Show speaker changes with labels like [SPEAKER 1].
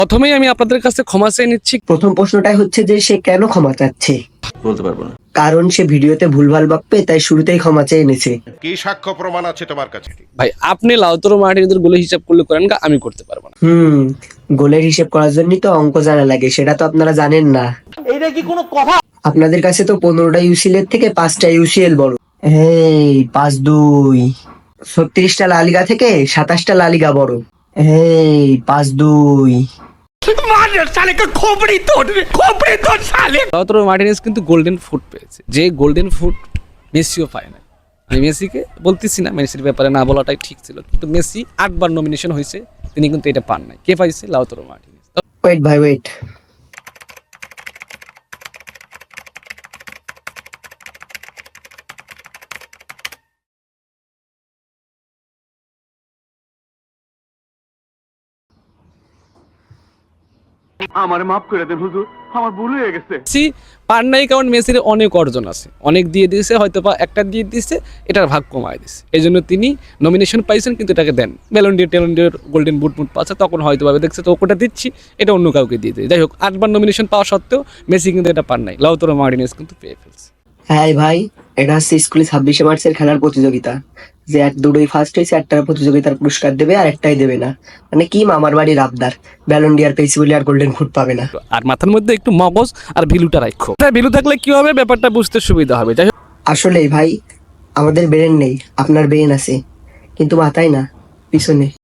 [SPEAKER 1] প্রথমেই আমি আপনাদের কাছে ক্ষমা চেয়ে নিচ্ছি।
[SPEAKER 2] প্রথম প্রশ্নটাই হচ্ছে যে সে কেন ক্ষমা চাচ্ছে?
[SPEAKER 3] বলতে পারবো না।
[SPEAKER 2] কারণ সে ভিডিওতে ভুলভাল বকবে, তাই শুরুতেই ক্ষমা চেয়ে এনেছে।
[SPEAKER 4] কি সাক্ষ্য প্রমাণ আছে তোমার কাছে?
[SPEAKER 1] ভাই আপনি লাউতরো মার্টিনেজের গোলে হিসাব করলে করেন, আমি করতে পারবো না।
[SPEAKER 2] গোলের হিসেব করার জন্যই তো অঙ্ক জানা লাগে, সেটা তো আপনারা জানেন না।
[SPEAKER 5] এইটা কি কোনো কথা?
[SPEAKER 2] আপনাদের কাছে তো 15টা ইউসিএল এর থেকে 5টা ইউসিএল বড়। এই 5-2। 36টা লা লিগা থেকে 27টা লা লিগা বড়। এই 5-2।
[SPEAKER 1] লাউতরো মার্টিনেজ কিন্তু গোল্ডেন ফুট পেয়েছে, যে গোল্ডেন ফুট মেসিও পায় না। আমি মেসিকে বলতেছি না, মেসির ব্যাপারে না বলাটাই ঠিক ছিল, কিন্তু মেসি 8বার নমিনেশন হয়েছে, তিনি কিন্তু এটা পান নাই। কে পাইছে? Lautaro Martinez.
[SPEAKER 2] ওয়েট ভাই ওয়েট,
[SPEAKER 5] আমারে মাফ করে দেন হুজুর, আমার ভুল হয়ে গেছে।
[SPEAKER 1] মেসি পান নাই কারণ মেসির অনেক অর্জন আছে, অনেক দিয়ে দিয়েছে, হয়তো বা একটা দিয়ে দিয়েছে, এটার ভাগ কমায় দিয়েছে, এই জন্য তিনি নমিনেশন পাইছেন, কিন্তু এটাকে দেন। ব্যালন ডি'র গোল্ডেন বুট পাচ্ছে, তখন হয়তো ভাবে দেখছে তো ওটা দিচ্ছি, এটা অন্য কাউকে দিয়ে দেয়। যাই হোক, 8বার নমিনেশন পাওয়া সত্ত্বেও মেসি কিন্তু এটা পান নাই, লাউতরো মার্টিনেজ কিন্তু পেয়ে ফেলছে।
[SPEAKER 2] হ্যাঁ ভাই, এটা হচ্ছে স্কুলে 26শে মার্চের খেলার প্রতিযোগিতা, যে দুটোই ফার্স্ট হয়েছে, একটার প্রতিযোগিতার পুরস্কার দেবে আর একটাই দেবে না। মানে কি মামার বাড়ির আবদার, ব্যালন ডি আর পেয়েছি বলে আর গোল্ডেন ফুট পাবে না।
[SPEAKER 1] আর মাথার মধ্যে একটু মগজ আর ভিলুটা রাখো, ভিলু থাকলে কি হবে, ব্যাপারটা বুঝতে সুবিধা হবে। যাই হোক,
[SPEAKER 2] আসলেই ভাই, আমাদের ব্রেন নেই, আপনার ব্রেন আছে, কিন্তু মাথায় না, পিছনে।